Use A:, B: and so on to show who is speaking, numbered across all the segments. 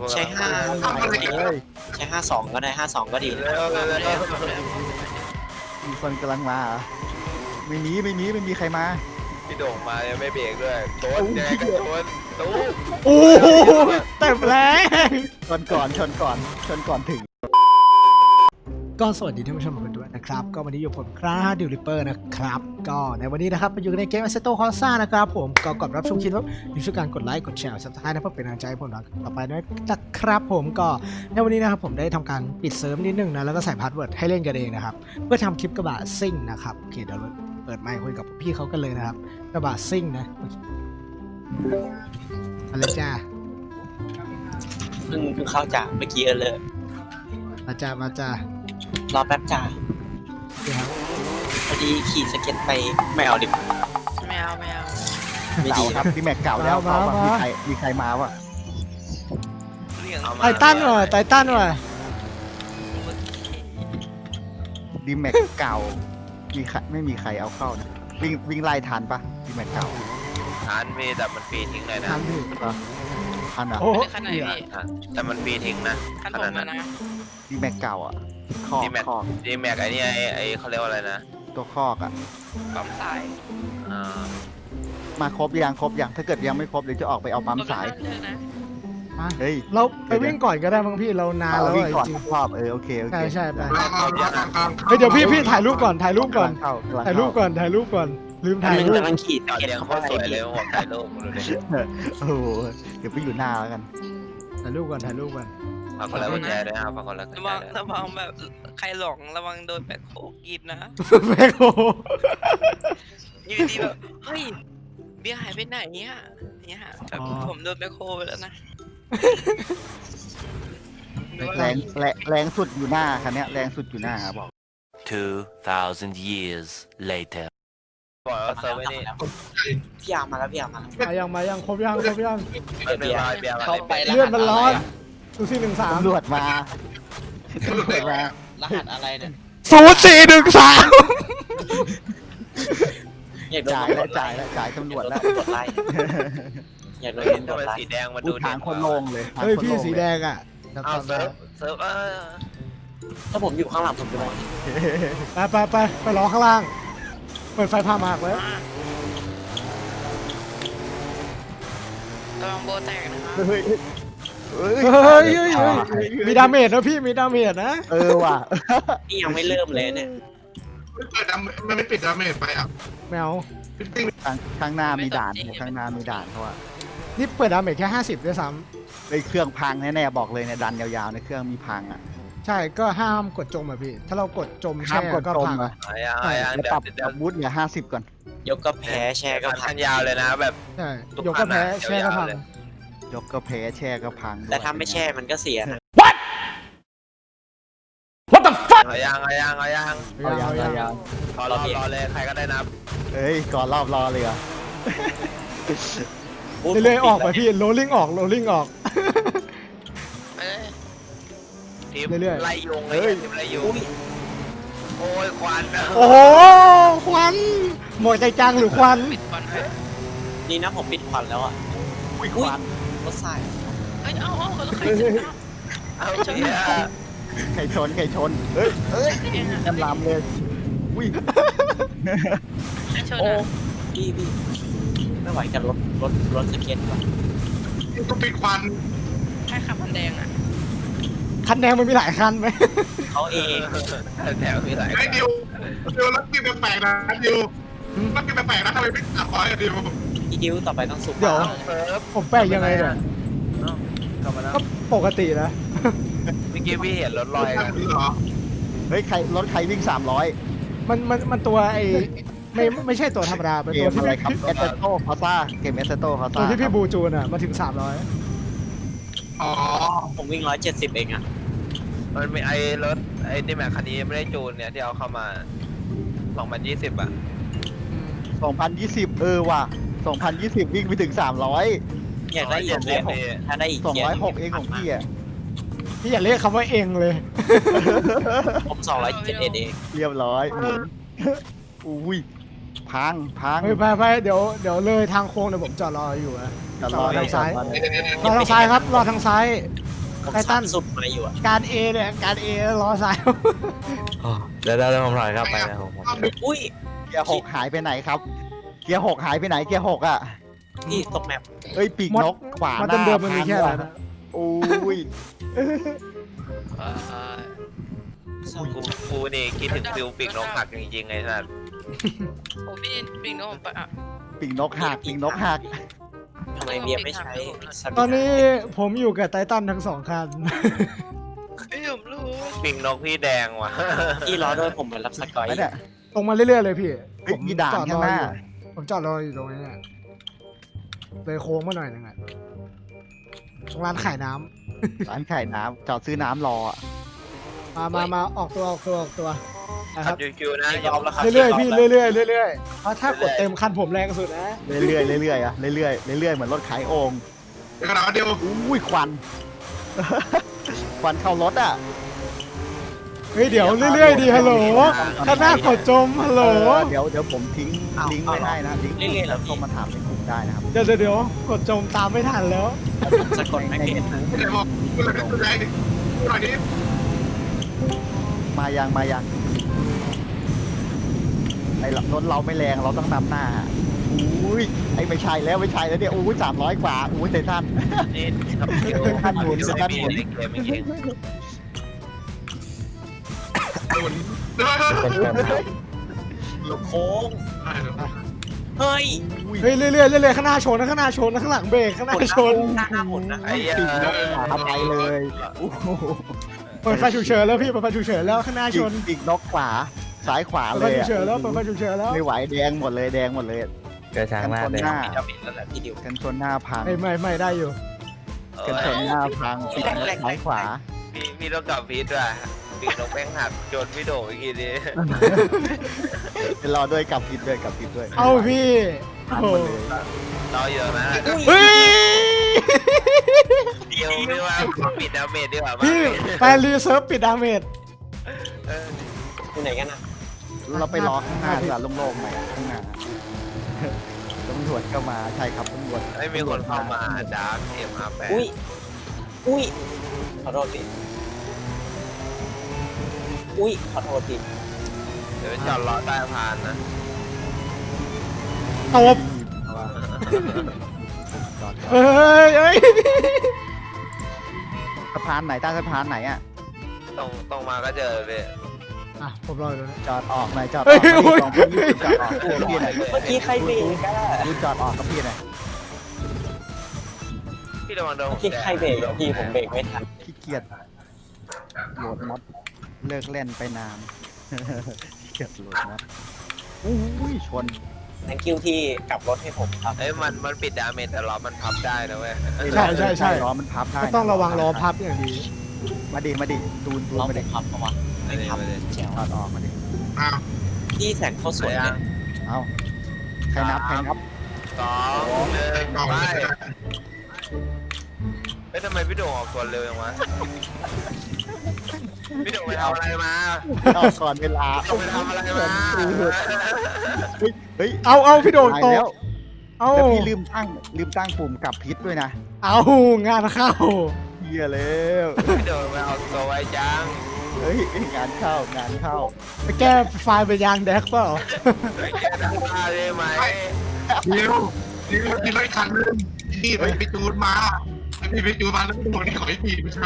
A: ใช้52ก็ได้52ก็ดี
B: มีคนกำลังมาไม่มีใครมา
C: พี่โด่งมายังไม่เบรกด้วยชนยังไงก็ชนตู้
D: โอ้โหเต็มแรง
B: ชนก่อนถึง
D: ก็สวัสดีท่านผู้ชมทุกท่านด้วยนะครับก็วันนี้อยู่ผมคราดิวริปเปอร์นะครับก็ในวันนี้นะครับมาอยู่ในเกม Assetto Corsa นะครับผมก็ก่อนรับชมคลิปว่าอย่าลืมช่วยกันกดไลค์กดแชร์ซับสไครต์นะเพื่อเป็นกำลังใจให้ผมต่อไปด้วยนะครับผมก็ในวันนี้นะครับผมได้ทำการปิดเซิร์ฟนิดนึงนะแล้วก็ใส่พาสเวิร์ดให้เล่นกันเองนะครับเพื่อทำคลิปกระบะซิ่งนะครับโอเคเดี๋ยวเราเปิดไมค์คุยกับพี่เขากันเลยนะครับกระบะซิ่งนะอะไรจ้า
A: เพิ่งเข้าจากเมื่อกี้เลย
D: มาจ้าร
A: อแป๊บจ้าพอดีขี่สเก็ตไปไม่เอาดิ
E: ไม่เอา
A: ไม่
B: เก่า
A: ดี
B: ครับพี่แม็กเก่าแล้วมีใครมาวะ
D: ไททันว่ะ
B: ดีแม็กเก่าไม่มีใครเอาเข้านะวิ่งไล่ทันปะดีแม็กเก่า
C: ทันมีแต่มันฟรีทิ้งเลยนะ
D: ทันดิ
B: ทันอ่ะ
E: โอ้ขนาดนี้
C: แต่มันฟรีทิ้งนะ
E: ขนาดนั้นนะ
B: ดีแม็กเก่าอ่ะ
C: ดีแม็กไอ้นี่ไอ้เขาเรียกว่าอะไรนะ
B: ตัวคอกอ่ะ
E: ปั๊มสาย
B: มาครบยังถ้าเกิดยังไม่ครบเดี๋ยวจะออกไปเอาปั๊มสายเฮ้ย
D: เราไปวิ่งก่อนก็ได้บางพี่เรานานแล้ว
B: วิ่งก่อนรอบโอเค
D: ใช่ไปเดี๋ยวพี่ถ่ายรูปก่อนลืมถ่ายรูป
A: กำลังขี่สเก็ต
C: เขาสวยเลยผมถ่ายรูป
B: โอ้โหเดี๋ยวไปอยู่หน้าแล้วกัน
D: ถ่ายรูปก่อน
C: ฝากคนละกุญแจด้วยครับฝากคนละกุญแจ
E: ระวังแบบใครหลงระวังโดนแบคโฮกินนะ
D: แบคโฮ
E: อยู่ดีแบบเฮ้ยเบียร์หายไปไหนเนี่ยแบบผมโดนแบคโฮไปแล้วนะ
B: แรงสุดอยู่หน้าคันนี้แรงสุดอยู่หน้าบอก
F: 2,000 years later
C: บอกว่าเซิร์ฟไม่นี่
A: พี่อามาแล้ว
D: ยังครบยัง
A: เข้าไป
D: เลื่อนมันร้อนดูสิ13
B: ตำรวจมาร
A: หัสอะไรเนี่ย
B: จ่ายตำรวจแล้ว
A: กดไลค์อยากโดนเล่นกดไลค์
C: สีแดงมาดู
B: ทางคนลงเลย
D: เฮ้ยพี่สีแดงอ่ะ
C: เซิร์ฟ
A: ถ้าผมอยู่ข้างหลังผมจะมอง
D: ไปรอข้างล่างเปิดไฟพามากไว้
E: ระวังโบแตกนะครับ
D: เฮ้ยมีดาเมจนะพี่มีดาเมจนะ
B: ว่ะ
A: นี่ยังไม่เริ่มเลยเนี่ย
G: ไม่ปิดดาเมจไปอ่ะ
D: ไม่เอา
B: ข้างหน้ามีด่านเขาอะ
D: นี่เปิดดาเมจแค่50ด้วยซ้
B: ำในเครื่องพังแน่ๆบอกเลยเนี่ยดันยาวๆในเครื่องมีพังอ่ะ
D: ใช่ก็ห้ามกดจมอ่ะพี่ถ้าเรากดจมแช่ก็พัง
B: ปรับบูทเหลือ50ก่อน
A: ยกก็แพ้แช่ก็พัง
C: ยาวเลยนะแบบ
D: ใช่ยกก็แพ้แช่ก็พัง
B: ยกก็แพ้แช่ก็พัง
A: แต่ถ้าไม่แช่มันก็เสียนะ
D: What the fuck
C: เอายังรอเลยใครก็ได้นับ
B: เฮ้ยก่อนรอบรอเลยอ่ะ
D: เรื่อยๆออกไปพี่โรลลิ่งออก
C: ทีมไล่ยุงเลยทีมไล่ยุงโอ้ยควัน
D: โอ้โหควันหมดใจจังหรือควัน
A: นี่นะผมปิดควันแล้วอ่ะควันรถสาย
E: เอา
B: ไข่ชนเฮ้ยจำลำเลยอุ้ย
A: โอ้พี่ไม่ไหวกันรถสเก็ตว่ะ
G: ต้องปิดควัน
E: ใช่คันแดงอ่ะ
D: คันแดงมันมีหลายคันไหม
A: เขาเอง
C: แถวมีหลาย
G: ไอ้ดิวรถกินแปลกนะดิวรถกินแปลกนะทำไมไม่ตัดคอยดิว
A: อีดิวต่อไปต้องสุก
D: เดี๋ยวผมแปลกยังไงเนี่ยก็ปกตินะ
C: เมื่อกี้พี่เห็นรถลอยกัน
B: เฮ้ยรถใครวิ่ง300
D: มันตัวไอ้ไม่ใช่ตัวธรรมดาเป็นตัวที่
B: อะไรครับเอสเซโต้พาซ่าเกมเอสเซโต้พาซ่า
D: ตัวที่พี่บูจูนอ่ะมาถึง
A: อ๋อผมวิ่ง170เองอ่ะ
C: มันมีรถนี่แม็กคันนี้ไม่ได้จูนเนี่ยที่เอาเข้ามา2020อ่ะ
B: 2020ว่ะ2020วิ่งไปถึง300
A: อยากได้อีกถ้าได้อีก
B: 206เองของพี่อ่ะ
D: พี่อย่าเรียกคำว่าเองเลย
A: ผม271เอง
B: เรียบร้อยอุ้ยพัง
D: ไปเดี๋ยวเลยทางโค้งเดี๋ยวผมจอดรออยู่นะจอดรอทางซ้ายครับรอทางซ้าย
A: ผม
D: ไททัน
A: สุดมาอยู่อะ
D: การ A เนี่ยการ A ล้อซ้าย
C: เดี๋ยวผมถอยกลับไปนะผม
A: อุ้ย
B: เกียร์หกหายไปไหนครับ เกียร์หกหายไปไหนเกียร์หกอ่ะ
A: นี่ตกแมป
B: เอ้ยปีกนกขวา
D: มัน
B: หน้า
D: เดิมๆมันมีแค่นั้น
B: พัง
D: นะ
B: ว่ะโอ้ย
C: กูนี่คิดถึงฟิวปีกนกหักจริงๆไงสัส
E: โอ้พี่ปิงโนผมไปอ่ะ
B: ปีกนกหักปีกนกหัก
A: ทำไมเบียร์ไม่ใช้
D: ตอนนี้ผมอยู่กับไททันทั้งสองคัน
E: เอ้ยผมรู้
C: ปีกนกพี่แดงว่ะ
A: พี่รอด้วยผมเหมือนรับสกอย
B: ไม่เนี่ย
D: ตรงมาเรื่อยๆเลยพี่
B: เฮ้ยมีด่าน
D: จอดร
B: ข้าง
D: อ
B: หน้า
D: อยู่ผมจอดรออยู่ตรงนี้เนี่ยเลยโค้งมาหน่อยหนึงอ่ะตรงร้านขายน้ำ
B: ร้านขายน้ำจอดซื้อน้ำรออะ
D: มาออกตัวนะค
C: ขั
D: รั
C: บบ คิวๆนะ
A: รอบแล้วครับ
D: เรื่อยๆพี่เรื่อยๆเรื่อยๆเพราะถ้ากดเต็มคันผมแรงสุดนะ
B: เรื่อยๆเรื่อยๆอะเรื่อยๆเรื่อยๆเหมือนรถขายโอ่ง
G: เดี๋ยวกระดาษเดียว
B: อุ้ยควัน ควันเข้ารถอ่ะ
D: เฮ้ยเดี๋ยวเรื่อยๆดีฮัลโหลข้างหน้ากดจมฮัลโหล
B: เดี๋ยวผมทิ้งลิงก์ไว้ให้นะลิงก์แล้วเข้ามาถามในกลุ่มได้นะครับ
D: เดี๋ยวกดจมตามไม่ทันแล้ว
A: ผมสะกดไม่เป็น
G: เดี๋ยวบอกคุณอะไรคุณอะไรคุณอะไรนี้
B: มายังไอ้รถเราไม่แรงเราต้องนำหน้าอุ้ยไอ้ไม่ใช่แล้วเนี่ยอุ้ย300 กว่าอุ้ยเตทัน
C: นี่ขับคิว
B: ท่านหมุน
C: ขับคิว
B: ท่านหมุน
C: ในเกมจริง
A: ลงโค้งเฮ้ย
D: เฮ้ยเรื่อยๆข้างหน้าชนนะข้างหน้าชนนะข้างหลังเบรกข้างหน้าชน
A: หน้าหมุนนะ
C: ไอ้เหี้ย
B: ปีกนกขาไปเลยโอ้โห
D: เปิดไฟฉุกเฉินแล้วพี่เปิดไฟฉุกเฉินแล้วข้างหน้าชน
B: ปีกนกขวาซ้ายขวา
D: เปิด
B: เล
D: ไฟ
B: ย
D: ฉุก
B: อะ
D: เฉินแล้วเปิดไฟฉุกเฉินแล้ว
B: ไม่ไหวแดงหมดเลย
C: เกิดทางหน้า
B: กันชน
C: เลย
B: หน้า
A: จะปิดแล้วแหละพี่ดิว
B: กันชนหน้าพัง
D: ไม่ได้อยู่
B: กันชนหน้าพังปีกนกซ้ายขวา
C: พี่ต้องกลับพีทว่ะปีกนกแป้งหักโยนพี่โด่อีกทีดิ
B: รอด้วยกับผิดด้วย
D: เอาพี่
B: พัง
D: โอ้
B: หมดเลย
C: รออยู่นะ
D: เฮ้ย
C: เดียวไม่ว่าปิดดาเมจดีกว่า
D: พี่ไปรีเซิร์ฟปิดดาเมจ
A: อยู่ไหนกันนะ
B: เราไปรอข้างหน้าดีกว่าโล่งๆหน่อยข้างหน้าตำรวจก็มาใช่ครับตำรวจ
C: ไม่มีคนเข้ามาดาร์กเอ็มอาร์แปด
A: อุ้ยขอโทษพี่อุ้ยขอโทษพี่
C: เดี๋ยวจอดรอใต้พานนะ
D: ตบเอ้ย
B: สะพานไหนใต้สะพานไหนอ่ะ
C: ตรงมาก็เจอเลย
D: อ่ะผมรออยู่นะ
B: จอดออกหน่อยจอดอ
D: เฮ้
B: อย ก
D: โอ้ย
B: สองคนนี้จอดออกกับพี่หน่อย
A: เมื่อกี้ใครเบรกอะ
B: ดูจอดออกกับพี่หน่อย
C: พี่ระวังโดน
A: เมื่อกี้ใครเบรกอะพี่ผมเบรกไม่ทัน
B: ขี้เกียจโหลดมอดเลิกเล่นไปนานขี้เกียจโหลดมอดอุ้ยชน
A: thank you ที่กลับรถให้ผมครับ
C: เอ้ยมันปิดดาเมจแต่ล้อมันพับได้นะเว้ย
D: ใช่
B: ล้อมันพับได้
D: ก็
B: น
D: ต้องระวังล้อพับอย่างดี
B: มาดิตูน
A: เรา
B: มา
A: ไม่
B: ดิ
A: พับเพราะว่าไม่พับแจ๋ว
B: จอดออกมาดิ
G: อ้าว
A: พี่แสงเขาสวยเลย
B: เอาใครนับ
C: สองหนึ่งไปเอ้ยทำไมพี่โด่งออกตัวเร็วจังวะพี่โด่งไปทำอะไรมา
B: เอาก่อนเวลา
C: พี่โด่งไปทำอะไรมา
B: เฮ้ย
D: เอาพี่โดน
B: ตาย
D: ตก
B: แล้ว
D: เอา
B: แล้วพี่ลืมตั้งปุ่มกลับพิษด้วยนะ
D: เอางานเข้า
B: เฮียแล้ว
C: พี่โด่งไปเอาตัวไว้จัง
B: เฮ้ยงานเข้า
D: ไปแก้ไฟล์ไปยางแดกเปล่า
C: ไปแก้ทางบ้านได้ไหม
G: เดี๋ยวมีรถคันนึงพี่ไปจูนมาพี่ไปจูนมาแล้วตัวนี้ขอให้พี่ไม่ใช่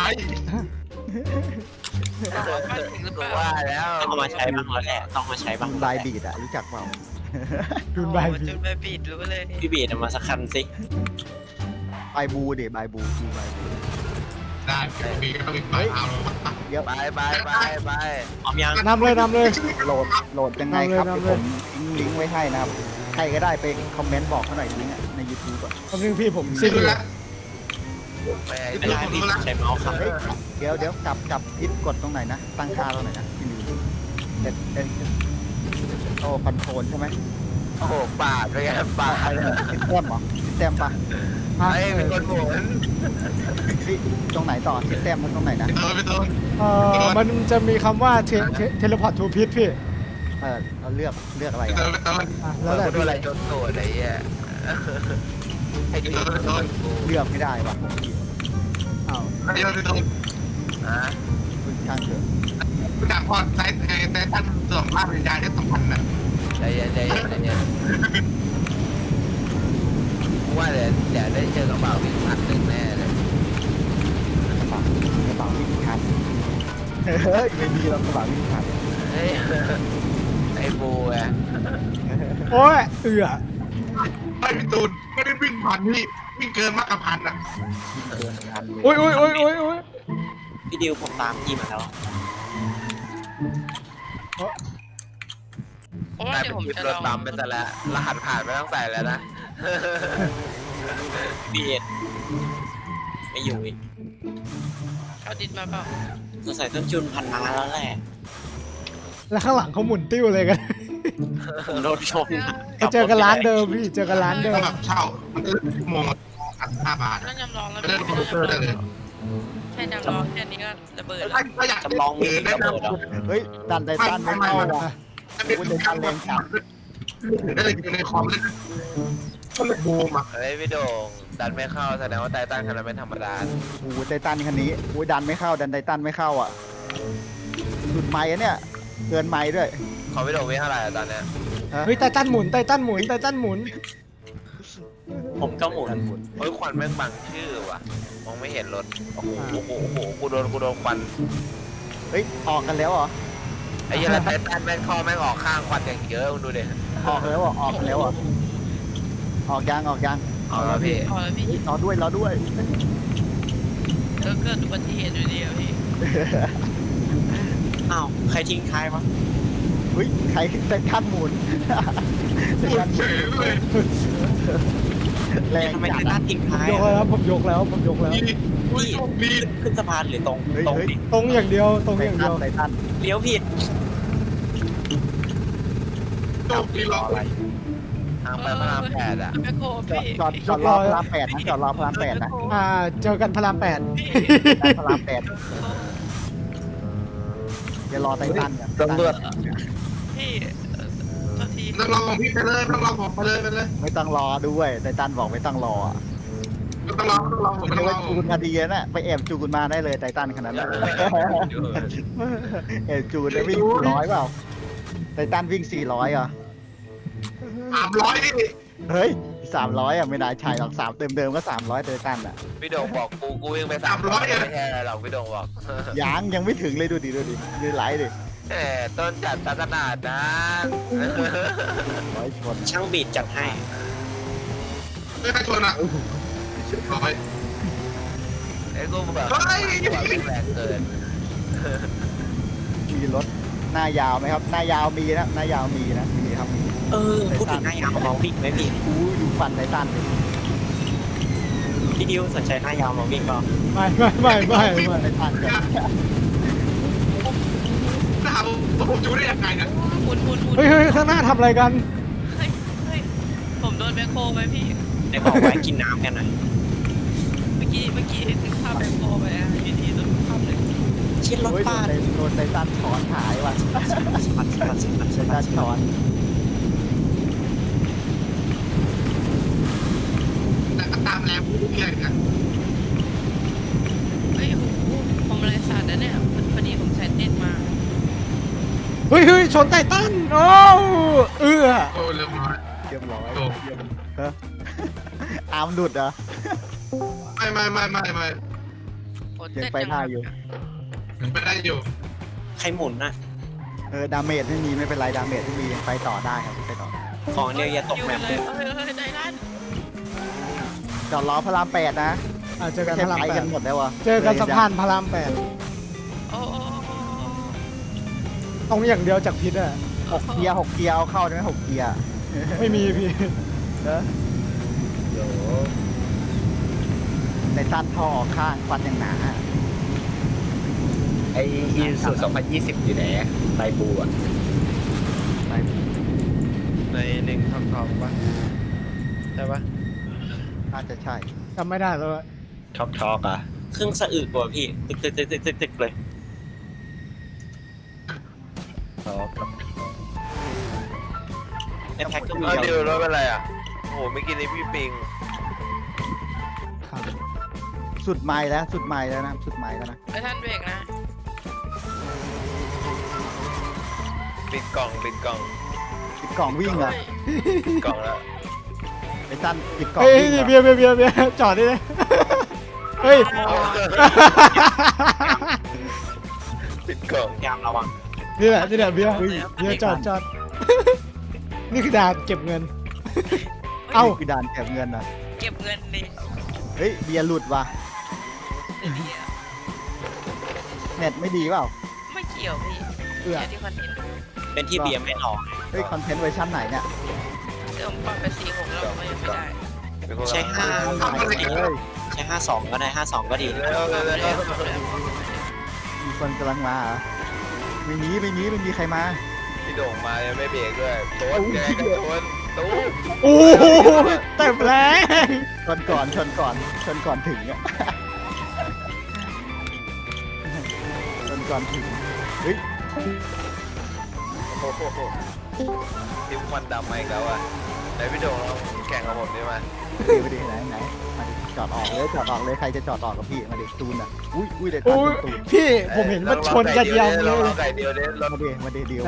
E: มาถึงหรือเปล่า
C: ว่าแล้ว
A: ต้องเอามาใช้บ้างแล้วแหละต้องมาใช้บ้าง
B: ลายบีดอะรู้จักเปล่า
D: ดูนใบ
E: โอ้
D: พี่
E: จุดใบปิดรู้เลย
A: พี่บีดเอามาสักคันสิ
B: ใบบูเดี๋ยวใบบูคือใบบู
G: ได้พี่ก็ต้องไปเอา
B: เดี๋ยว
C: ไป
A: พร้อมยัง
D: นำเลย
B: โหลดยังไงครับ
D: นำ
B: เดี๋ยว
D: เลย
B: ผมทิ้งลิงก์ไว้ให้นะครับ ใครก็ได้ไปคอมเมนต์บอกเขาหน่อยลิงก์อะใน YouTube ก่อน
D: คำนึงพี่ผมซิ่งอยู่
C: ไป
A: ไม่ได้พี่ใช้เมาส์ครับ
B: เฮ้ยเดี๋ยวกลับพิษกดตรงไหนนะ ตั้งค่าตรงไหนนะพี่ลืมโอ้คอนโทรลใช่ไหม
C: โอ้โหปาดไปไงปาด
B: พิษแต้มเหรอพิษแต้มปะ
C: ไอ้เป็นคนหมุน
B: เฮ้ยตรงไหนต่อพิษแต้มมันตรงไหนนะ
G: ไปต้น
D: มันจะมีคำว่าเทเลพอร์ตทูพิษพี่
B: เราเลือกอะไร
G: ไป
B: อะ
G: ต้นไปต้น
D: อ่ะ
C: แล้
D: แล้ว วแต่
C: ดู
D: พี่
C: อะไรจนโตดไอ้เหี้ยไอ้ที่
B: เลือกไม่ได้ว่ะอ้าว
G: เดี๋ยวโดน
C: อ่ะ
B: คุณช่างเถอะ
G: รู้จักพอไแต่ท่านส่งภาพวิญญาณที่สำคัญน่ะ
C: ใจเย็นใจเย็นใจเย็นกูว่าเดี๋ยวได้เจอกระเป๋าวิ่งพันหนึ่งแน่เลย
B: กระเป๋าวิ่งคันเฮ้ยไม่มีหรอกกระเป๋าวิ่งคัน
C: เฮ้ยไอ้บูไง
D: โอ้ยเอือ
G: ไม่พี่ตูนไม่ได้วิ่งพันพี่วิ่งเกินมากกว่าพันอ่ะ
B: เกินคันเลย
D: โอ้ยโอ้ยโอ้ยโอ้ยโอ้ย
A: พี่ดิวผมตามพี่มาแล้ว
E: เพราะว่าก
C: ลาย
E: เดี๋
C: เป็
E: ยวน ผม
C: คลิป
E: จะ
C: ร
E: ล
C: ถ
E: อง
C: บัมไปซะแล้วรหัสผ่านไม่ต้องใส่แล้วนะ
A: พี่เอ็ดไม่อยู่อีก
E: เอาดินมาเปล่า
A: สงสัยต้นจุนพันมาแล้วแหละ
D: แล้วข้างหลังเขาหมุนติ้วเลยกัน
A: ผมโดนชน
D: ก็เจอกันร้านเดิมพี่เจอกันร้านเดิ
G: ก็
D: ม
G: แบบเช่ามันก็ชั่วโมงละ5 บาท
E: ไม่ต้องยำลองแล้ว
G: ไม่ได้
E: พี่
G: คอมพิวเตอร์ได้เลย
E: แค่ยำลองแค่นี้ก็ระเบิดแล้ว
G: ถ้าอยาก
A: จำลองมี
G: ได้
A: ระ
G: นะ
A: เบิดแล้ว
B: เฮ้ยดันไททันไม่เข้าว่ะ
G: ถ้าเป็นการแรงจัดได้เลยอยู่ในคอมเล่นก็เลยบูมอ่ะ
C: เฮ้ยพี่โด่งดันไม่เข้าแสดงว่าไททันคันนั้นไม่ธรรมดา
B: โอ้โหไททันคันนี้โอ้ยดันไม่เข้าดันไททันไม่เข้าอ่ะหลุดไม้อะเนี่ยเกินไม้ด้วย
C: ของพี่โด่งวิ่งเท่าไหร่อะตอนเนี้ย
D: เฮ้ยไททันหมุนไททันหมุนไททันหมุน
A: ผมก็หมุน
C: เฮ้ยควันแม่งบังชื่อว่ะมองไม่เห็นรถโอ้โหโอ้โหโอ้โหกูโดนควัน
B: เฮ้ยออกกันแล้วเหรอ
C: ไอ้เหี้ยันไททันแม่งคอแม่งออกข้างควันอย่างเยอะมึงดูดิ
B: ออกแล้วเหรอออกกันแล้วเหรอออกยัง
C: เอาแล้วพี่
E: พอแล้วพี่
B: รอด้วย
E: เกิดอุบัติเหตุอยู่ดีอะพี่
A: อ้าวใครทิ้งท้ายวะ
B: เฮ้ยใครไททันหมุนไท
G: พูด
B: ทัน
G: เฉยเลย
B: แรง
A: ทำไม
B: จั
A: ไท
B: ด
A: ทั
B: อะ
A: นทิ้งท้าย
D: ยกแล้วผมยกแล้วผมยกแล้ว
G: ดีดีดี
A: ขึ้นสะพานหรือตรงตรงดิ
D: ตรงอย่างเดียวตรง
B: ไท
D: อย่าง
B: ทั
D: เดี
B: น
D: ยว
B: ไททัน
A: เลี้ยวผิด
G: จบดีล็อก
C: ทางไปพระราม8อ่ะ
E: แมคโคร
B: จอดรอพระราม8นะจอดรอพระราม8นะ
D: เจอกันพระราม8
B: พระราม8อย่ารอไททันกัน
C: ตำรวจ
E: พี่โทษที
G: ต้องรอของพี่ไปเลยต้องรอผมไปเลย
B: ไม่ต้องรอด้วยไททันบอกไม่ต้องรออะ
G: ต้องรอผม
B: ไม่
G: ต้องร
B: ว่า
G: อ
B: จูนมาดีนะไปแอบจูนมาได้เลยไททันขนาดนั้นแอบจูนได้วิ่ง400เปล่าไททันวิ่ง400เหรอ
G: 300นี่
B: เฮ้ย300อ่ะไม่ได้ใช่หรอก3เดิมก็300ไททันอ่ะ
C: พี่โด่งบอกกูวิ่งไป300ไม่ใช่อะไรหรอกพี่โด่งบอก
B: ยังไม่ถึงเลยดูดิดูไลฟ์ดิ
C: แหมต้นจัดขนาดนั้น
B: ร้อยชน
A: ช่างบีดจัดให้
G: ไม่ใครชวนอ่ะร้อย
C: ไอ้กูแบบ
G: เฮ้ย
C: วิ่งแรงเกิน
B: มีรถหน้ายาวไหมครับหน้ายาวมีนะหน้ายาวมีนะมีครับมี
A: พูดถึงหน้ายาวมาวิ่งไหมพี่
B: อู้ดูฟันไททันเลย
A: พี่ดิวสนใจหน้ายาวมาวิ่งเปล่า
D: ไม่
B: ไททันกัน
G: ถามผมจูได้ยังไงเนี่ย
E: หมุน
D: เฮ้ยข้างหน้าทำอะไรกัน
E: เฮ้ยผมโดนแมคโครไหมพี่
A: ได้บอกไว้กินน้ำกันหน่อย
E: เมื่อกี้ถึงภาพแมคโครไปอะอยู่ดีโดนภาพเลย
A: ชิ้นรถ
B: โอ้ย
A: บ้าน
B: โดนไททันถอนหายว่ะไททันถอน
G: แต่ก็ตามแรงผู้เรื่อยกัน
E: เฮ้ยโอ้โหผมเลยสั่นนะเนี่ยพอดีผมใช้เน็ตมา
D: เฮ้ยชนไททันโอ้เอื้อ
G: โอ้เรียบร้อย
B: เรียบร้อย
G: โอ้
B: ฮะอาร์มหลุดเหรอ
G: ไม่
E: โอ้
B: ยังไปท่าอยู่
G: ไม่ได้อยู่
A: ใครหมุนน่ะ
B: ดาเมจไม่มีไม่เป็นไรดาเมจไม่มียังไปต่อได้ครับไปต่อได้
A: ของเดียวอย่าตกแมป
E: เลยเฮ้ยได้ร้าน
B: จอดล้อพระราม8นะ
D: เจอกัน
B: ไม่
D: พระราม
B: ไปกันหมดแล้ววะ
D: 8เจอกันสะพานพระราม
E: โอ้
D: 8ตรงอย่างเดียวจากพิษอะ
B: 6 เกียร์เอาเข้าได้ไหม6 เกียร์
D: ไม่มีพี่
B: เนอะเดี๋ยวในตันท่อออกข้างฟันอย่างหนา
H: ไออีสุด2020 อยู่ไหนไตบูอ่ะ
B: ไป
C: ในหนึ่งทองปะใช่ปะ
B: น่าจะใช่
D: จำไม่ได้แล้วอะ
H: ช็อกอ่ะ
A: เครื่องสะอึกกว่าพี่ตึกเลย
H: ช็อก
A: ในแพ็คก็มี
C: เออ
A: เดี
C: ดิ
A: ยว
C: วรถเป็นไรอ่ะโอ้โหเมื่อกี้นี้พี่ปิง
D: ครับ
B: สุดไม้แล้วสุดไม้แล้วนะสุดไม้แล้วนะ
E: ไอ้ท่านเบรกนะ
C: ปิดกล่อง
B: ปิดกล่องวิ่งเหรอ
C: ปิดกล่องแล้ว
B: ไอ้ตันปิดกล่อง
D: เฮ้ย
B: วิ่งเหรอ
D: เบียร์จอดดิเลยเฮ้ย
C: ปิดกล่อง
A: พยายามระวัง
D: นี่แหละเบียร์จอดนี่คือด่านเก็บเงิน เอ้า
B: นี่คือด่านเก็บเงินนะ
E: เก็บเงินดิ
B: เฮ้ยเบียร์หลุดว่ะ
E: เดี๋ยว
B: เน็ตไม่ดีเปล่า
E: ไม่เกี่ยวพี่
D: เอื้อ
E: แค่ที่คอนเทนต์
A: เป็นที่เบียร์ไม่รอ
B: เฮ้ยคอนเทนต์เวอร์ชันไหนเนี่ย
E: เดี๋ยวผมปรับไป46แล้วก็ยังไม่ได้
A: ใช้ห้า
B: เฮ้ย
A: ใช้52ก็ได้52ก็ดีนะ
C: เร็ว
B: มีคนกำลังมาเหรอไม่มีใครมา
C: พี่โด่งมายังไม่เบรกด้วยโต๊ดแกก็โดนตู้
D: โอ้โหเต็มแรง
B: ชนก่อนถึงอ่ะ ชนก่อนถึงเฮ้ย
C: โอ้โหทิมควันดำมาอีกแล้วอ่ะไหนพี่โด่งลองแข่งกับผมดิมา
B: มาดิไหนมาดิจอดออกเลยใครจะจอดออกกับพี่มาดิตูนอ่ะอุ้ยเด็ดตั
D: โอ้
B: น
D: ย
B: ตูน
D: พี่ผมเห็นมันชนกันยาว
C: ล
D: เล
C: อง
D: ย
C: ไก่เดียวเด้รถ
B: มาดิเดียว
D: ไหน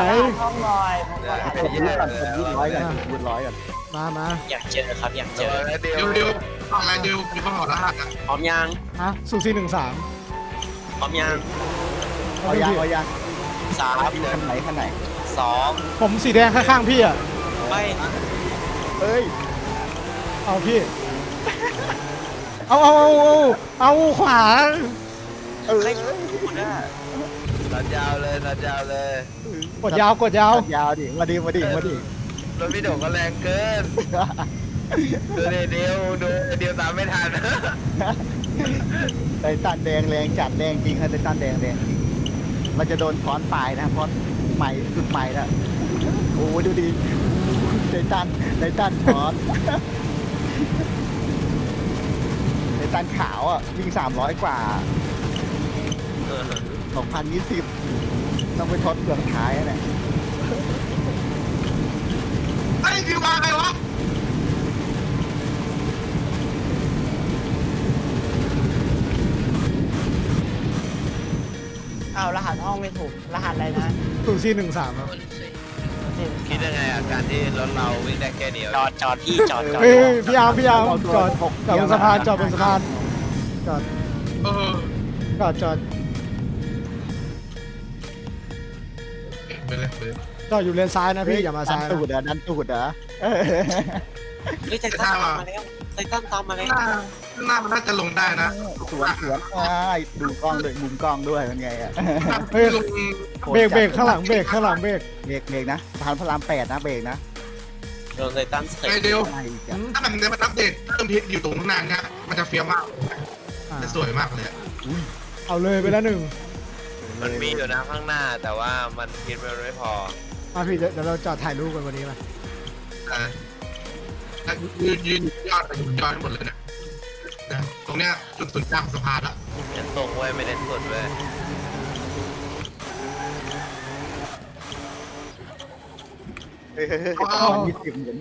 B: ผมยืดก่อนยืดร้อยก่อน
D: มา
A: อยากเจอครับอยากเจอ
C: เดียว
G: เดี๋ยวอะไรเดี๋ยวมีคนบอกรหัสอ่ะ
A: พร้อมยัง
D: ฮะสูซี่13
A: พร้อมยัง
B: เอายัง
A: สาม
B: คันไหน
A: สอง
D: ผมสีแดงข้างๆพี่อ่ะ
A: ไป
B: เอ้ย
D: เอาพี่ เอาขวา
A: ใครพูดอ่ะ
C: ตัดยาวเลย
D: กดยาว
B: ยาวดิมาดิ
C: รถพี่โด่งก็แรงเกินดูเดียวตามไม่ทัน
B: ไททันแดงแรงจัดแรงจริงครับไททันแดงจริงมันจะโดนค้อนปลายนะเพราะใหม่สุดใหม่แล้วโอ้ดูดิไททันช้อนไททันขาวอ่ะวิ่ง300 กว่า 2020 ต้องไปทดเครื่องท้ายเนี่ย
G: ไอ้พี่มาไงวะ
I: เอารหัสห้องไม่ถูก รหัสอะไรนะ
D: สูซี่13ครับ
E: คนสวย
C: คิดยังไงอ่ะการที่รถเราวิ่งได้แค่เดียว
A: จอดพี่จอด
D: เฮ้ยพี่อาร์มจอดบนสะพานจอด
G: เออ ไปเลย
D: จอดอยู่เลนซ้ายนะพี่อย่ามาซ้าย
B: ดันตูดเหรอ
A: เฮ้ยไททันตามมาแล้วไททันตามมาแล้ว
G: หน้ามันน่าจะลงได้นะ
B: สวนดูกล้องด้วยมุมกล้องด้วยเป็นไงอ่ะ
D: เฮ้ย
G: ลง
D: เบรกข้างหลังเบรก
B: เบรกนะสะพานพระราม8นะเบรกนะ
A: โดนไททันเส
G: ไอ้
A: ก
G: เดียว
B: อะไรอีกอ่ะ
G: ถ้ามันเนี่ยมันอัปเดตเพิ่มพิษอยู่ตรงหน้าเนี่ยมันจะเฟี้ยวมากจะสวยมากเลย
D: เอาเลยไปแล้วหนึ่ง
C: มันมีอยู่นะข้างหน้าแต่ว่ามันคิดมันไม่พอ
D: มาพี่เดี๋ยวเราจอดถ่ายรูปกันวันนี้มา
G: ยืนยอดทั้งหมดเลยนะตรงเนี้ยจุดศูนย์กลางสะพานละ
C: เน้นตรงไว้ไม่เน้นสุดเว้ย
B: 20เหมือน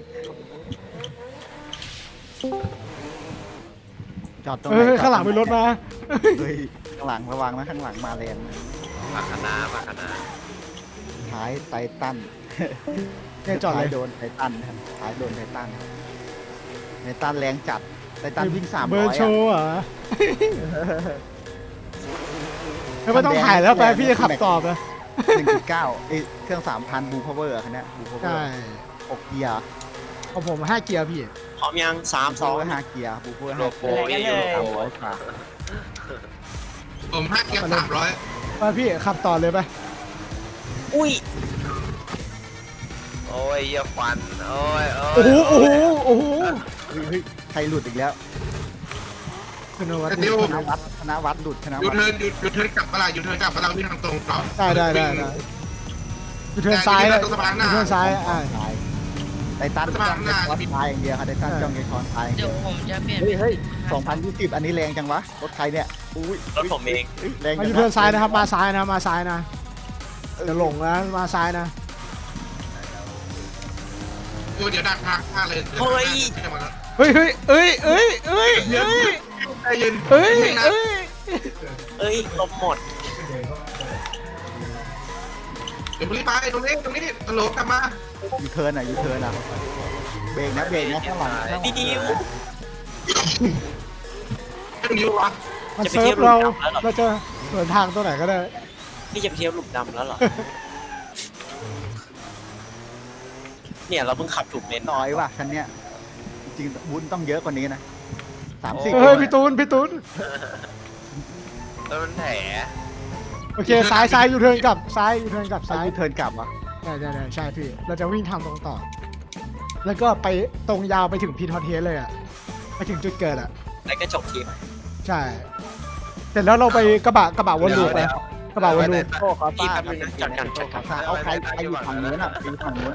B: จอดตรงไห
D: เฮ้
B: น
D: ยข้างหลังมีรถมา
B: เฮ้ยข้างหลังระวังนะข้างหลังมาแรงนะ
C: ผักคะน้า
B: ท้ายไททัน
D: เนี่ยจอดเล
B: ท้าย
D: ย
B: โดนไททันนะครับท้ายโดนไททันไททันแรงจัดไททันวิ่ง300
D: เบอร์โช
B: อ่ะ
D: ว์เหรอไม่ต้องถ่ายแล้วไปพี่จะขับตอบนะ
B: 1.9เครื่อง 3,000 บูพาวเวอร์คันนี้บูพาวเวอ
D: ใช่
B: ร์6เกียร์
D: ของผม5เกียร์พี่
A: พร้อมยังสามสอง
B: 5เกียร์บูพาวเวอร์
C: โลโก้
I: อะไรกัน
C: อยู่
I: เลย
B: 300กว่า
G: ผม5 เกียร์ 300
D: ไปพี่ขับต่อเลยไป
A: อุ้ย
C: โอ้ยเยี่ยควันโอ้ย
D: โอ้โห
B: เฮ้ยใครหลุดอีกแล้ว
D: ขึ้นมาวัด
G: เดี๋ยว
B: ธนวัฒน์หลุดธน
G: ยู
B: วัฒน์
G: เทิร์นยูเทิร์นกลับมาละยูเทิร์นกลับมาเราวิ่งทางตรงต่อ
D: ได้อยู่เทิร์นซ้ายเลยอยู่เทิร์นซ้าย
B: ไททันจ้องจะช้อนท้ายอย่างเดียวค่ะไททันจ้องจะช้อนท้ายอย่าง
E: เดี๋
B: เดี
E: ย
B: ยว ว
E: ผมจะเปลี่ยน
B: เฮ้ย2020อันนี้แรงจังวะรถใครเนี่ยอุ้ย
A: รถผมเอง
B: แรง
D: มา
B: จั
D: อง ยู่เทิร์นซ้ายนะครับมาซ้ายนะจะหลงนะมาซ้ายนะ
G: เดี๋ยวดักทางเลย
D: เฮ้ย
G: ใจเย็น
D: เอ้ย
G: นะ
D: เอ้ย
A: เอ้ยลมหมด
G: เดี๋ยวรีบไปตรงนี้ตลกกลับมา
B: ยูเทิร์นอ่ะเบรกนะข้างหลังข้างหลัง
A: พี่ดิว
G: ไอ้ตรงนี้วะ
D: มัน
A: จะไป
D: เซิ
A: เที่
D: ร์
A: ยว
D: ฟเรา
A: หลุมดำแล้วเหรอ
D: เราจะเดินทางตัวไหนก็ได้
A: พี่จะไปเที่ยวหลุมดำแล้วเหรอ เนี่ยเราเพิ่งขับถูกเลน
B: น้อยว่ะคันเนี้ยจริงๆวุ้นต้องเยอะกว่านี้นะ30
D: เฮ้ยพี่ตูน
C: แล้วมันแผล
D: โอเคซ้ายยูเทิร์นกลับซ้ายยูเทิร์นกลับ
B: ซ้า
D: ซ้าย ย
B: ยูเทิร์นกลับอ่ะ
D: ได้ใช่พี่ เราจะวิ่งทางตรงต่อ แล้วก็ไปตรงยาวไปถึงพีทอเทสเลยอ่ะไปถึงจุดเกิดอ่ะ
A: แล้วก็จบทีม
D: ใช่เสร็จแล้วเราไปกระบะวนลูปไปกระบะวนลูป
B: โอ้ขอ
A: พี่
B: ซ่า
A: แป๊บนึงนะจัดกันจัดกัน
B: เอาใครอยู่ฝั่งนู้นอ่ะไปอยู่ฝั่งนู้น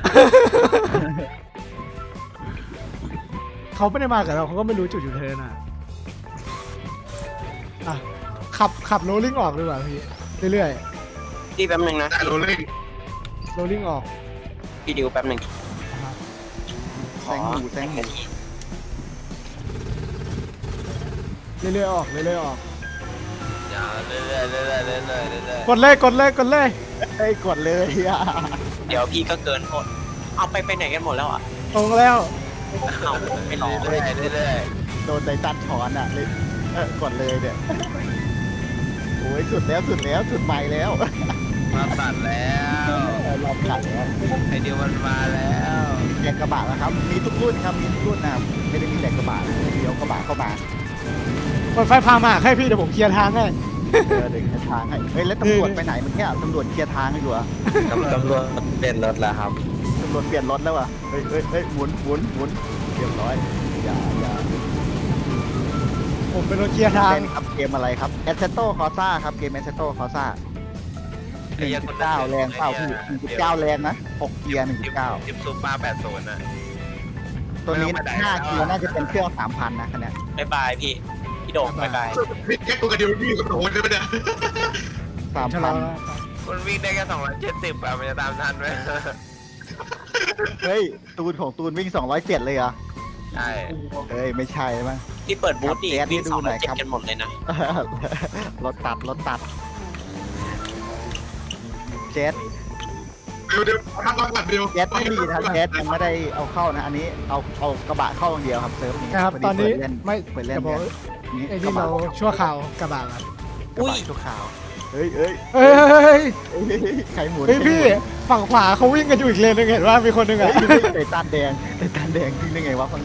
D: เขาไม่ได้มากับเราเขาก็ไม่รู้จุดยูเทิร์นอ่ะอ่ะขับโรลลิ่งออกดีกว่าพี่เรื่อย
A: พี่แป๊บนึงนะ
G: ได้โรเล่ง
D: ๆโรลลิ่งออก
A: พี่ดิวแป๊บนึง
B: แซงหมู
D: เรื่อยๆออก
C: อย่าเรื่อยๆ
D: กดเลย
B: เฮ้ยกดเลยอ่ะ
A: เดี๋ยวพี่ก็เกินหมดเอาไปไหนกันหมดแล้วอ่ะ
D: ตรงแล้ว
A: เอาไปรอ
C: เรื่อย
B: โดนไททันถอนอ่ะเลยกดเลยเนี่ยโอ้ยสุดใหม่แล้ว
C: มาตัดแล้ว
B: รอบกัดแล้ว
C: ไอเดียวมันมาแล้ว
B: แกงกระบะนะครับ มีทุกรุ่นครับ มีทุกรุ่นนะครับไม่ได้มีแต่กระบะนะเดี๋ยวกระบะเข้ามา
D: กดไฟพามาให้พี่เดี๋ยวผมเคลียร์ทางให้
B: เดี๋ยวเคลียร์ทางให้ เฮ้ยแล้วตำรวจไปไหนเมื่อกี้ตำรวจเคลียร์ทางอยู่เหรอ
H: ตำรวจเปลี่ยนรถแล้วครับ
B: ตำรวจเปลี่ยนรถแล้วอ่ะเฮ้ยหมุนเรียบร้อยอย่า
D: ผมเป็นรถเคลียร์ทาง
B: เป็นครับเกมอะไรครับ Assetto Corsa ครับเกม Assetto Corsa 1.9แรงเปล่าพี่1.9แรงนะ6เกียร์1.9
C: จิบซุปมา80น่ะ
B: ตัวนี้5เกียร์น่าจะเป็นเครื่อง 3,000 นะคันเนี้ย
A: บ๊ายบายพี่โด่งบ๊ายบาย
G: พี่แกตัวกระเดียวพี่กับโอ้ยได้ไหมเนี่ย
D: ชะลอ
B: 3,000
C: มันวิ่งได้แค่270มันจะตามทันไหม
B: เฮ้ยตูนวิ่ง207เลยเหรอ
C: ใช่
B: เฮ้ยไม่ใช่มั้ง
A: พี่เปิดบูธดิ
B: ครับ
A: วิ่ง
B: ดู
A: สอง
B: หน่
A: ร้อ
B: อย ย
A: เจ็ด
B: ครับ
A: กันหมดเลยนะ
B: รถตัดเจ็ด
G: เดี๋ยวทำก่อนเดี๋ยว
B: เจ็ดไม่มีนะเจ็ดยังไม่ได้เอาเข้านะ อันนี้เอากระบะเข้าอย่างเดียวครับเซิร์ฟนี้
D: นะครับตอนนี้ไม่
B: เปิดเล่น
D: จะบอก
B: นี่
D: ไอ้
B: กระ
D: นี่
B: บะ
D: เราชั่วข่าวกระบะครับ
B: กระบะชั่วคราวเฮ้ย
D: เฮ้ย
B: ใครหมุน
D: เฮ้ยพี่ฝั่งขวาเขาวิ่งกันอยู่อีกเลนนึงเห็นว่ามีคนนึง
B: เฮ้
D: อ่ะ
B: ยไต่ตันแดงทิ้งได้ไงวะฟังดู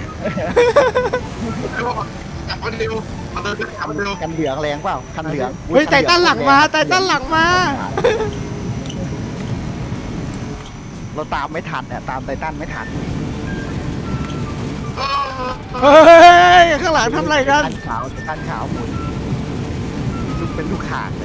G: จับมันเร็วมาเดินจับมันเร็ว
B: กันเหลืองแรงเปล่าคันเหลือง
D: เฮ้ยไต่ตั้นหลังมา
B: เราตามไม่ทันเนี่ยตามไททันไม่ทัน
D: เฮ้ยข้างหลังทำอะไรกัน
B: ไททันขาวหมุนลูกเป็นลูกข่างเลย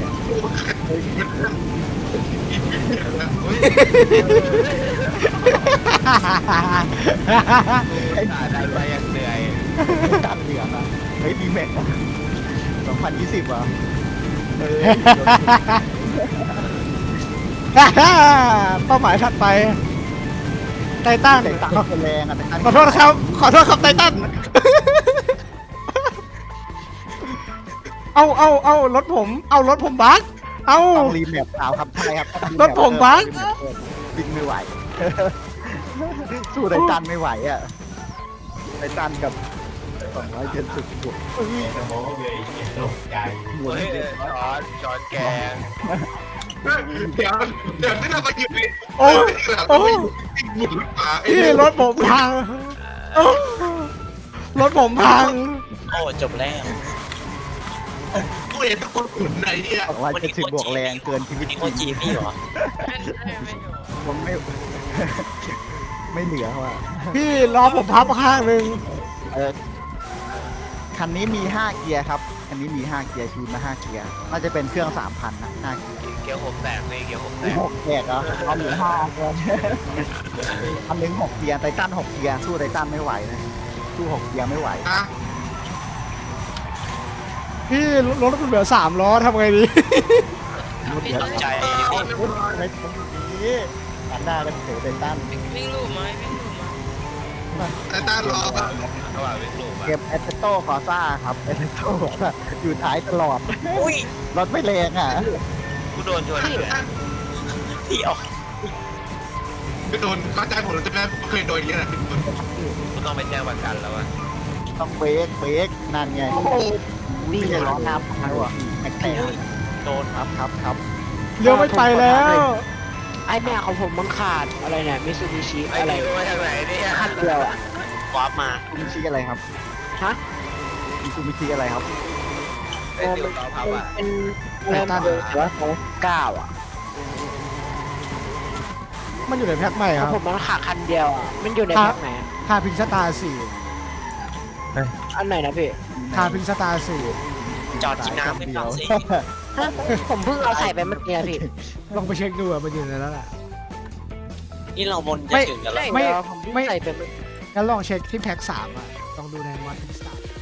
C: ไอ้ตาดันมาอย่างเหนื่อย
B: ตัดเหลืองอ่ะเฮ้ยดีแม็ก2020อ่ะเฮ้ย
D: เป้าหมายถัดไปไททัน
B: ไททันเป็นแรงอ่ะไททัน
D: ขอโทษครับไททันเอารถผมบั๊กเอา
B: ต้องรีแมปขาวครับใช่ครับ
D: รถผมบั๊ก
B: วิ่งไม่ไหว สู้ไททันไม่ไหวอ่ะไททันกับ270บวกหมุน
C: เฮ้ยช้อนแกง
G: เดี๋ยวที่เรามาอยู่ใน
D: โอ้
G: หมุนป่า
D: พี่รถผมพังรถผมพัง
A: โอ้จบแล้ว
G: กูเห็นทุกคนหมุนไหนเนี่ย
B: 270บวกแรงเกินชีวิต
A: นี่โคจีพี่เหรอ
B: ผมไม่เหลือว่ะ
D: พี่ล้อผมพับข้างหนึ่ง
B: คันนี้มี5เกียร์ครับคันนี้มี5เกียร์ชูนมา5เกียร์น่าจะเป็นเครื่อง 3,000 นะ5เกียร์
C: เกียวผมแตกเลยเกียวผมแตก
B: 6แกียร์เหรอเอาเหลือ5เกียร์อันนึง6เกียร์ไททัน6เกียร์สู้ไททันไม่ไหวนะสู้6เกียร์ไม่ไหว
G: อ่ะ
D: พี่รถมันเหลือ3ล้อทำไงดี
A: พี่ตั้งใจ
B: ในตรงนี้ตัดหน้ากันเสียไททัน
E: วิ่งลูกไหม
G: ไอ้ต้ารอป่ะ
C: ระหว่างวิ่งลูกอะ
B: เก็บแอสเซโต้คอซ่าครับแอสเซโต้อยู่ท้ายตลอด
A: อุ้ย
B: รถไม่แรงอ่ะ
C: กูโดนชนเลย
A: ที่ออก
G: พี่ตูนเข้าใจผมแล้วใช่ไหมผมเคยโดนอย่างนี้นะพี่ตูน
C: กูต้องไปแจ้งประกันแล้วอะ
B: ต้องเบรกนั่นไงวิ่งจะล้อน้ำพังว่ะแตก
A: โดน
B: ครับครับ
D: เลี้ยวไม่ไปแล้ว
I: ไอเนี่ยของผมมันขาดอะไรเนี่ยมิซูบิชิ
C: ไอ้
I: อะไร
C: ดิวมาจากไหนเนี่ย
I: ขั้นเดียวอ่ะ
A: วาร์ปมา
B: มิซูบิชิอะไรครับ
I: ฮะ
B: มิซูบิชิอะไรครับ
C: ไอ้ดิวล้อพับอะ
I: เป็นเริ่มเบอร์แต่ว่าเขา9อ่ะ
D: มันอยู่ในแพ็คใหม่
I: ข
D: ค
I: อง
D: รับ
I: ผมมันขาดคันเดียวอ่ะมันอยู่ในแพ็คไหนอะ
D: ทาพิงสตาร์สี่
I: อันไหนนะพี่
D: ทาพิงสตาร์สี่
A: จอดกินน้ำไม่ฟังสิ
I: ฮะผมเพิ่งเอาใส่ไปเมื่อกี้อะพี่
D: ลองไปเช็คดูอะมันอยู่ในนั้นแหละ
A: นี่เราบนจะ
D: ไม่
A: ถึงกันแล้ว
I: ใช่
D: ไม่
I: เดี๋ยวผมเพิ่งใส่ไปเมื่อ
D: งั้นลองเช็คที่แพ็ค3อ่ะลองดูในวันพิงสตาร์